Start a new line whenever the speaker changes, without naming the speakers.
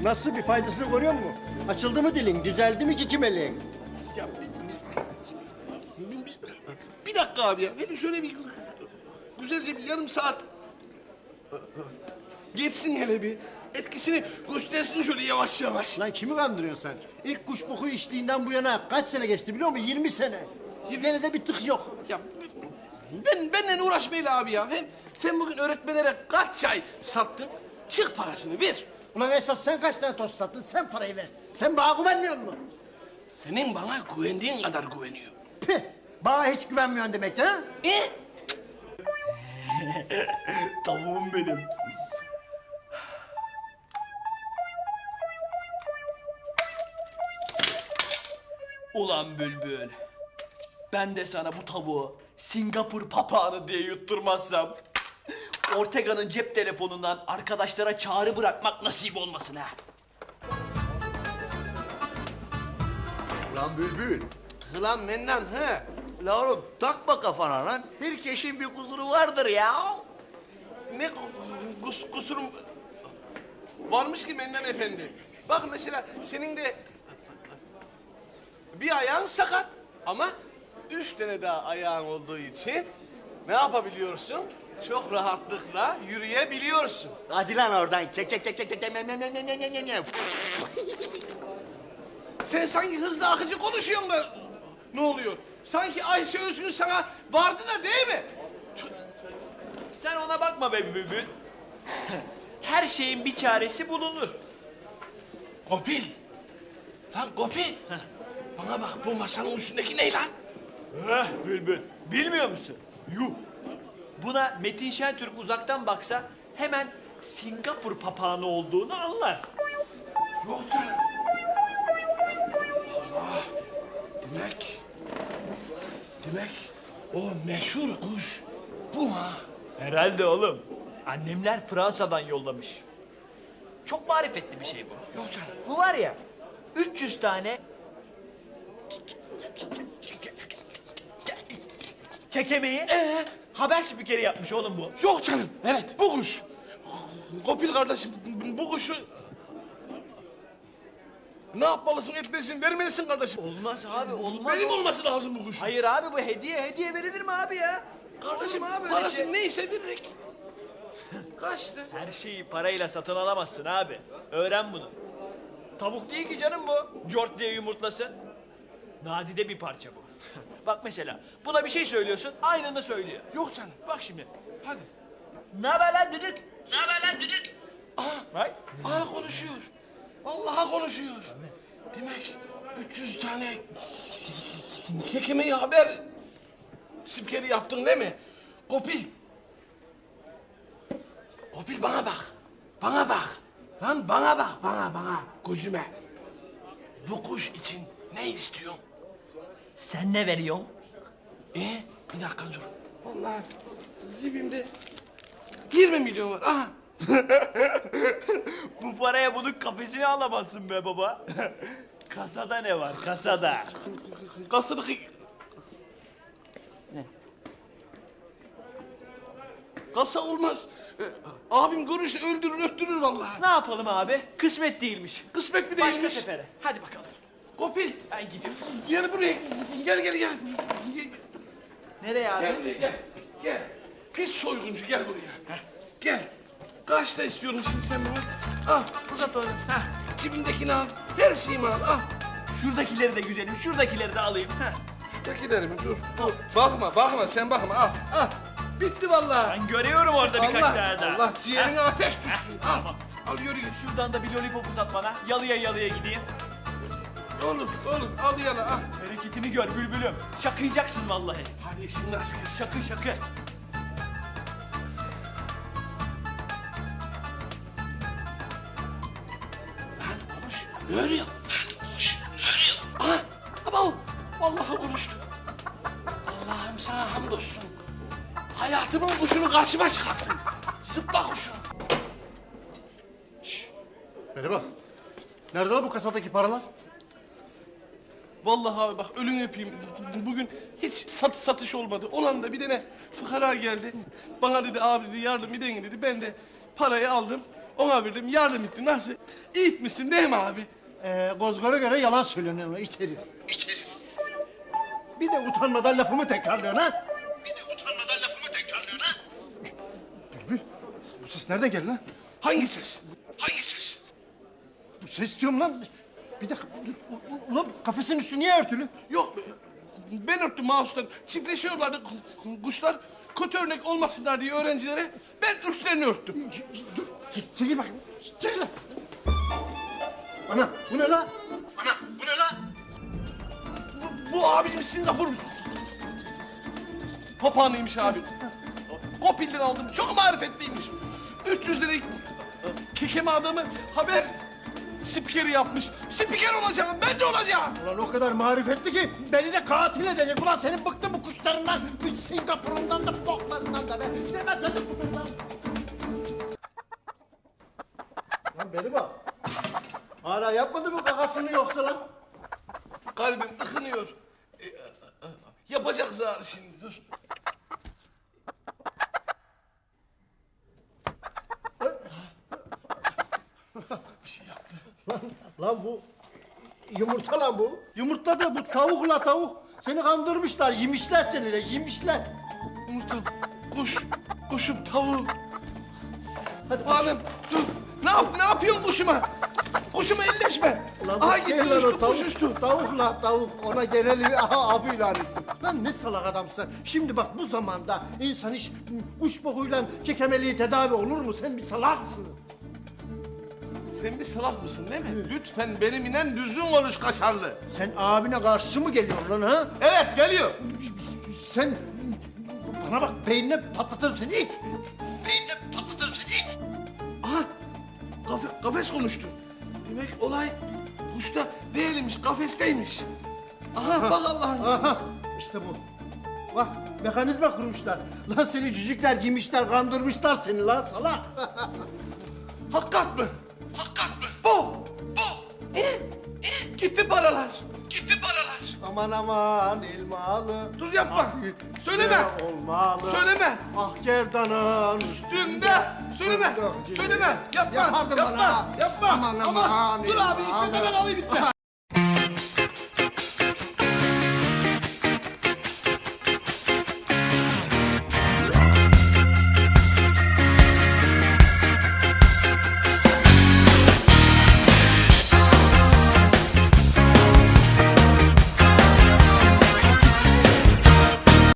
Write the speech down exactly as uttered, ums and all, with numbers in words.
Nasıl, bir faydasını görüyor musun? Açıldı mı dilin? Düzeldi mi ki kimeliğin?
Ya bir, bir, bir, bir dakika abi ya. Benim şöyle bir güzelce bir yarım saat geçsin hele bir. Etkisini göstersin şöyle yavaş yavaş.
Lan kimi kandırıyorsun sen? İlk kuş boku içtiğinden bu yana kaç sene geçti biliyor musun? yirmi sene. Gene de bir tık yok.
Ya ben benimle uğraşmayla abi ya. Hem sen bugün öğretmenlere kaç çay sattın? Çık parasını ver.
Ulan esas sen kaç tane tost sattın? Sen parayı ver. Sen bana güvenmiyor musun?
Senin bana güvendiğin kadar güveniyor.
Pih! Bana hiç güvenmiyorsun demek ha?
E?
Tavuğum benim. Ulan Bülbül. Ben de sana bu tavuğu Singapur papağanı diye yutturmazsam... Ortega'nın cep telefonundan arkadaşlara çağrı bırakmak nasip olmasın ha.
Lan Bülbül.
Lan Mennan he.
La oğlum takma kafana lan. Herkesin bir kusuru vardır ya.
Ne kus, kusurum varmış ki Mennan Efendi. Bak mesela senin de bir ayağın sakat ama üç tane daha ayağın olduğu için ne yapabiliyorsun? Çok rahatlıkla yürüyebiliyorsun.
Hadi lan oradan. Kek kek kek kek kek ne ne ne ne ne ne ne.
Sen sanki hızlı akıcı konuşuyorsun da ne oluyor? Sanki Ayşe Özgün sana vardı da değil mi?
Sen ona bakma be Bülbül. Her şeyin bir çaresi bulunur.
Kopil. Lan Kopil. Bana bak bu masanın üstündeki ne lan?
Heh Bülbül. Bilmiyor musun? Yuh. Buna Metin Şentürk uzaktan baksa hemen Singapur papağanı olduğunu anlar.
Yok canım. Allah. Demek... Demek o meşhur kuş bu ha.
Herhalde oğlum. Annemler Fransa'dan yollamış. Çok marifetli bir şey bu.
Yok canım.
Bu var ya, üç yüz tane kekemeyi
Ee?
haber spikeri yapmış oğlum bu.
Yok canım. Evet. Bu kuş. Kopil kardeşim bu kuşu... Ne yapmalısın, etmelisin, vermelisin kardeşim.
Olmaz abi, olmaz.
Benim olması lazım bu kuş.
Hayır abi, bu hediye, hediye verilir mi abi ya?
Kardeşim
Olur mu abi öyle
parası
şey?
neyse veririk. Kaç lira?
Her şeyi parayla satın alamazsın abi. Öğren bunu. Tavuk değil ki canım bu. Cort diye yumurtlasın. Nadide bir parça bu. Bak mesela, buna bir şey söylüyorsun, aynını söylüyor.
Yok canım.
Bak şimdi.
Hadi.
Ne haber lan düdük? Ne haber lan düdük?
Aha,
Hay.
aha konuşuyor. Vallahi konuşuyor. Demek üç yüz tane kekemeyi haber spikeri yaptın değil mi? Kopil. Kopil bana bak. Bana bak. Lan bana bak, bana, bana. Gözüme. Bu kuş için ne istiyorsun?
Sen ne veriyorsun?
E bir dakika dur. Vallahi cebimde yirmi milyon var. Aha.
Bu paraya bunun kafesini alamazsın be baba. Kasada ne var, kasada?
Kasadaki... Ne? Kasa olmaz. Ee, abim görürse öldürür öttürür vallahi.
Ne yapalım abi? Kısmet değilmiş.
Kısmet mi
Başka
değilmiş?
sefere. Hadi bakalım.
Kopil.
Ben gidiyorum.
Gel buraya. Gel gel gel. Gel,
Nereye abi?
gel buraya gel. Gel. Pis soyguncu gel buraya. Heh, gel. Kaçta istiyorum şimdi sen bunu? Al uzat onu. Heh, cebimdekini al. Her şeyimi al. Al.
Şuradakileri de güzelim, şuradakileri de alayım. Heh.
Şuradakileri mi? Dur. Dur. Bakma bakma sen bakma. Al. Al. Bitti vallahi.
Ben görüyorum orada birkaç
Allah,
tane daha.
Allah ciğerine
Heh.
ateş düşsün. Al.
Tamam.
Al yürü git.
Şuradan da bir lollipop uzat bana. Yalıya yalıya gideyim.
Olur, olur. Al yana, al.
Hareketini gör bülbülüm. Şakıyacaksın vallahi.
Hadi işin rast gelsin.
Şakı şakı.
Lan kuş, ne örüyor? Lan kuş, ne örüyor? Aha, abo, vallahi konuştu. Allah'ım sana hamdolsun. Hayatımın kuşunu karşıma çıkarttın. Zıpla kuşu.
Merhaba. Nerede lan bu kasadaki paralar?
Vallahi abi bak ölün öpeyim. Bugün hiç sat satış olmadı. Olan da bir tane fıkara geldi. Bana dedi abi dedi yardım edin dedi. Ben de parayı aldım. Ona verdim, yardım ettin. Nasıl? İyi etmişsin değil mi abi?
Ee, Gozgor'a göre yalan söylüyorsun ona it herif. İt herif. Bir de utanmadan lafımı tekrarlıyorsun ha. Bir de utanmadan lafımı tekrarlıyorsun ha. Bülbül, bu ses nereden geldi lan?
Hangi ses? Hangi ses?
Bu ses diyorum lan. Bir dakika, dur. U- Ulan kafesin üstü niye örtülü?
Yok, ben örttüm mouse'dan. Çiftleşiyorlardı kuşlar. Kötü örnek olmasınlar diye öğrencilere ben üstlerini örttüm.
Dur, çek- çekil bakayım. Çekil lan. Ana, bu ne lan? Ana, bu ne lan?
Bu abicim Singapur papağanıymış abi. Kopil'den aldım. Çok marifetliymiş. üç yüz lirayı kekeme adamı haber spikeri yapmış. Spiker olacağım, ben de olacağım.
Ulan o kadar marifetli ki beni de katil edecek. Ulan senin bıktım bu kuşlarından, bir Singapur'undan da boklarından da be. Demez sen de bundan. Lan beni bak. Hala yapmadı mı kakasını yoksa lan?
Kalbim ıkınıyor. Ee, yapacak zar şimdi, dur. Bir şey yaptı.
Lan, lan bu yumurta lan bu. Yumurta da bu tavuk la tavuk. Seni kandırmışlar, yemişler seni de, yemişler.
Yumurtam, kuş, kuşum, tavuğum.
Hadi
Hanım, dur. Ne yap, ne yapıyorsun kuşuma? Kuşuma elleşme.
Ulan bu
Aha
şey
gitti
lan o
uçtu,
tavuk,
kuş uçtu.
Tavuk la tavuk. Ona genel aha avı ilan ettim. Lan ne salak adamsın. Şimdi bak bu zamanda insan hiç kuş bokuyla kekemeliği tedavi olur mu? Sen bir salaksın.
Sen bir salak mısın değil mi? Lütfen benim inen düzgün konuş kaşarlı.
Sen abine karşı mı geliyorsun lan ha?
Evet, geliyor.
Sen bana bak beynine patlatırım seni it. Beynine patlatırım seni it.
Aha, kafe, kafes konuştu. Demek olay kuşta değilmiş, kafesteymiş. Aha, bak Allah'ın izniyle.
Aha işte bu. Bak mekanizma kurmuşlar. Lan seni cücükler giymişler, kandırmışlar seni lan salak.
Hakikat mı? Hakikat mı? Bu, bu. İyi, iyi. Gitti paralar. Gitti paralar.
Aman aman ilmalı.
Dur yapma.
Ah,
Söyleme.
ne olmalı.
Söyleme.
Ah gerdanın
Üstünde. Söyleme.
Fındık
Söyleme. Yapma.
Yapardım
Yapma.
bana.
Yapma.
Aman aman
Dur abi.
ilmalı.
İlk ben alayım.